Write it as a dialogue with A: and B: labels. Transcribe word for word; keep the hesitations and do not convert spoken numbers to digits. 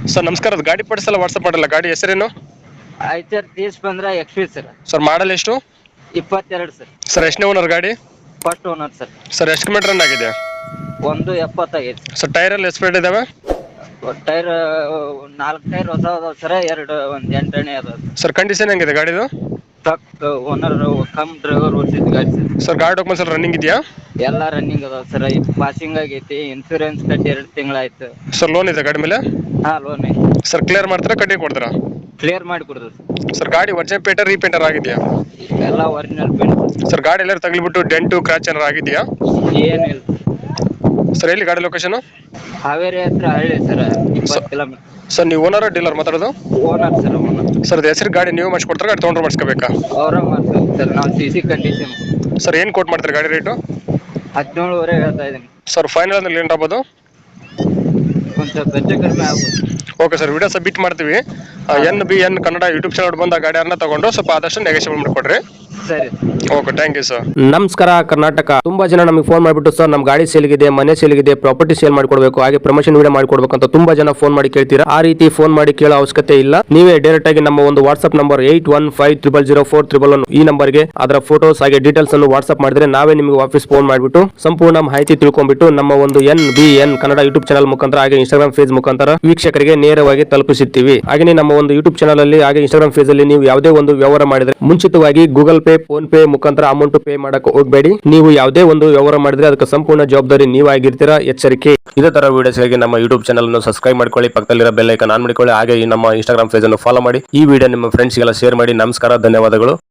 A: Sir ನಮಸ್ಕಾರ, ಅದು ಗಾಡಿ ಪಡಿಸಲ್ಲ ವಾಟ್ಸಪ್ ಮಾಡಲ್ಲ, ಗಾಡಿ ಹೆಸರೇನು?
B: ಐಚರ್ ತೀಸ್ ಬಂದ್ರ X P sir.
A: Sir model ಎಷ್ಟು?
B: ಇಪ್ಪತ್ತೆರಡು ಸರ್.
A: ಸರ್ ಎಷ್ಟನೇ ಓನರ್ ಗಾಡಿ?
B: First owner sir.
A: ಸರ್ ಎಷ್ಟು ಕಿಲೋಮೀಟರ್ ರನ್ ಆಗಿದೆ?
B: ಒಂದು ಎಪ್ಪತ್ತೈದು ಸರ್.
A: ಸರ್ ಟೈರ್ ಎಲ್ಲ ಎಸ್ಪೇಟ್ ಇದಾವೆ?
B: ಟೈರ್ ನಾಲ್ಕು ಟೈರ್ ಹೊಸ ಅದಾವ ಸರ್, ಎರಡು ಒಂದು ಎಂಟನೇ ಅದಾವ
A: ಸರ್ ಕಂಡೀಷನ್ ಹೆಂಗಿದೆ ಗಾಡಿದು?
B: ಟ್ರಕ್ ಓನರ್ ಕಮ್ ಡ್ರೈವರ್ ಓಡಿಸಿದ ಗಾಡಿ ಸರ್.
A: ಸರ್ ಗಾಡಿ ಡಾಕ್ಯುಮೆಂಟ್ಸ್ ಎಲ್ಲ ರನ್ನಿಂಗ್ ಇದೆಯಾ?
B: ಎಲ್ಲ ರನ್ನಿಂಗ್ ಅದಾವ ಸರ್. ಪಾಸಿಂಗ್ ಆಗೈತಿ, ಇನ್ಸೂರೆನ್ಸ್ ಕಟ್ಟಿ ಎರಡು ತಿಂಗಳಾಯ್ತು.
A: ಸರ್ ಲೋನ್ ಇದೆ ಗಾಡಿ ಮೇಲೆ?
B: ಹಾ ಲೋನ್ ಐತಿ.
A: ಸರ್ ಕ್ಲಿಯರ್ ಮಾಡ್ತಾರಾ ಕಟ್ಟಿ ಕೊಡ್ತಾರಾ?
B: ಕ್ಲಿಯರ್ ಮಾಡಿ ಕೊಡ್ತೀವಿ ಸರ್.
A: ಸರ್ ಗಾಡಿ ಒರಿಜಿನಲ್ ಪೇಟರ್ ರೀಪೇಂಟರ್ ಆಗಿದೆಯಾ?
B: ಎಲ್ಲ ಒರಿಜಿನಲ್ ಪೇಂಟ್.
A: ಸರ್ ಗಾಡಿ ಎಲ್ಲರೂ ತಗಲಿಬಿಟ್ಟು ಡೆಂಟು ಕ್ರಾಚ್ ಏನಾರು ಆಗಿದೆಯಾ?
B: ಏನಿಲ್ಲ
A: ಸರ್ ಎಲ್ಲಿ ಗಾಡಿ ಲೊಕೇಶನ್?
B: ಹಾವೇರಿ ಹತ್ರ ಹಳ್ಳಿ ಸರ್, ಇಪ್ಪತ್ತು ಕಿಲೋಮೀಟರ್.
A: ಸರ್ ನೀವು ಓನರ್ ಡೀಲರ್ ಮಾತಾಡೋದು?
B: Owner sir. ಓನರ್
A: ಸರ್ ಅದು ಹೆಸರು ಗಾಡಿ ನೀವು ಮಾಡಿಸ್ಕೊಡ್ತಾರೆ, ಗಾಡಿ ತೊಗೊಂಡ್ರೆ ಮಾಡಿಸ್ಕೋಬೇಕಾ?
B: ಅವರ ಮಾಡ್ತೀವಿ ಸರ್. ನಾವು ಸಿ ಸಿ ಕಂಡೀಷನ್.
A: ಸರ್ ಏನು ಕೋಟ್ ಮಾಡ್ತಾರೆ ಗಾಡಿ ರೇಟು?
B: ಹದಿನೇಳುವರೆ ಹೇಳ್ತಾ ಇದ್ದೀನಿ
A: ಸರ್ ಫೈನಲ್ ಅಂದ್ರೆ ಏನು ಆಗ್ಬೋದು?
B: ಒಂದು ಸ್ವಲ್ಪ ಹೆಚ್ಚು ಕಡಿಮೆ ಆಗ್ಬೋದು.
A: ಓಕೆ ಸರ್, ವಿಡಿಯೋ ಸಬ್ಮಿಟ್ ಮಾಡ್ತೀವಿ. N B N Kannada YouTube channel ಬಂದು ಆ ಗಾಡಿಯನ್ನ ತಗೊಂಡು ಸ್ವಲ್ಪ ಆದಷ್ಟು ನೆಗೋಷಿಯೇಟ್ ಮಾಡಿಕೊಡ್ರಿ.
B: ಸರಿ.
A: Okay, thank you sir.
C: ನಮಸ್ಕಾರ ಕರ್ನಾಟಕ. ತುಂಬಾ ಜನ ನಮಗೆ ಫೋನ್ ಮಾಡಿಬಿಟ್ಟು ಸರ್ ನಮ್ಮ ಗಾಡಿ ಸೇಲ್ಗಿದೆ, ಮನೆ ಸೇಲ್ಗಿದೆ, ಪ್ರಾಪರ್ಟಿ ಸೇಲ್ ಮಾಡ್ಕೊಡ್ಬೇಕು, ಹಾಗೆ ಪ್ರಮೋಷನ್ ವಿಡಿಯೋ ಮಾಡ್ಕೊಡ್ಬೇಕು ಅಂತ ತುಂಬಾ ಜನ ಫೋನ್ ಮಾಡಿ ಕೇಳ್ತೀರಾ. ಆ ರೀತಿ ಫೋನ್ ಮಾಡಿ ಕೇಳೋ ಅವಶ್ಯಕತೆ ಇಲ್ಲ. ನೀವೇ ಡೈರೆಕ್ಟ್ ಆಗಿ ನಮ್ಮ ಒಂದು WhatsApp number eight one five triple zero four triple one ಈ ನಂಬರ್ಗೆ ಅದರ ಫೋಟೋಸ್ ಹಾಗೆ ಡೀಟೇಲ್ಸ್ ಅನ್ನು ವಾಟ್ಸ್ಆಪ್ ಮಾಡಿದ್ರೆ ನಾವೇ ನಿಮಗೆ ವಾಪಸ್ ಫೋನ್ ಮಾಡಿಬಿಟ್ಟು ಸಂಪೂರ್ಣ ಮಾಹಿತಿ ತಿಳ್ಕೊಂಡ್ಬಿಟ್ಟು ನಮ್ಮ ಒಂದು N B N Kannada YouTube channel ಮುಖಾಂತರ ಹಾಗೆ ಇನ್ಸ್ಟಾಗ್ರಾಮ್ ಪೇಜ್ ಮುಖಾಂತರ ವೀಕ್ಷಕರಿಗೆ ನೇರವಾಗಿ ತಲುಪಿಸುತ್ತೀವಿ. ಹಾಗೆ ನಮ್ಮ ಒಂದು ಯೂಟ್ಯೂಬ್ ಚಾನಲ್ ಅಲ್ಲಿ ಹಾಗೆ ಇನ್ಸ್ಟಾಗ್ರಾಮ್ ಪೇಜ್ ಅಲ್ಲಿ ನೀವು ಯಾವುದೇ ಒಂದು ವ್ಯವಹಾರ ಮಾಡಿದ್ರೆ ಮುಂಚಿತವಾಗಿ ಗೂಗಲ್ ಪೇ, ಫೋನ್ ಪೇ ಮುಖಾಂತರ ಅಮೌಂಟ್ ಪೇ ಮಾಡಕ್ಕೆ ಹೋಗಬೇಡಿ. ನೀವು ಯಾವುದೇ ಒಂದು ವ್ಯವಹಾರ ಮಾಡಿದ್ರೆ ಅದಕ್ಕೆ ಸಂಪೂರ್ಣ ಜವಾಬ್ದಾರಿ ನೀವಾಗಿರ್ತೀರಾ, ಎಚ್ಚರಿಕೆ. ಇದೇ ತರ ವಿಡಿಯೋಸ್ಗಾಗಿ ನಮ್ಮ ಯೂಟ್ಯೂಬ್ ಚಾನಲ್ ಅನ್ನು ಸಬ್ಸ್ಕ್ರೈಬ್ ಮಾಡ್ಕೊಳ್ಳಿ, ಪಕ್ಕದಲ್ಲಿರೋ ಬೆಲ್ ಐಕಾನ್ ಆನ್ ಮಾಡಿಕೊಳ್ಳಿ, ಹಾಗೆ ಈ ನಮ್ಮ ಇನ್ಸ್ಟಾಗ್ರಾಮ್ ಪೇಜ್ ಅನ್ನು ಫಾಲೋ ಮಾಡಿ. ಈ ವಿಡಿಯೋ ನಿಮ್ಮ ಫ್ರೆಂಡ್ಸ್ಗೆಲ್ಲ ಶೇರ್ ಮಾಡಿ. ನಮಸ್ಕಾರ, ಧನ್ಯವಾದಗಳು.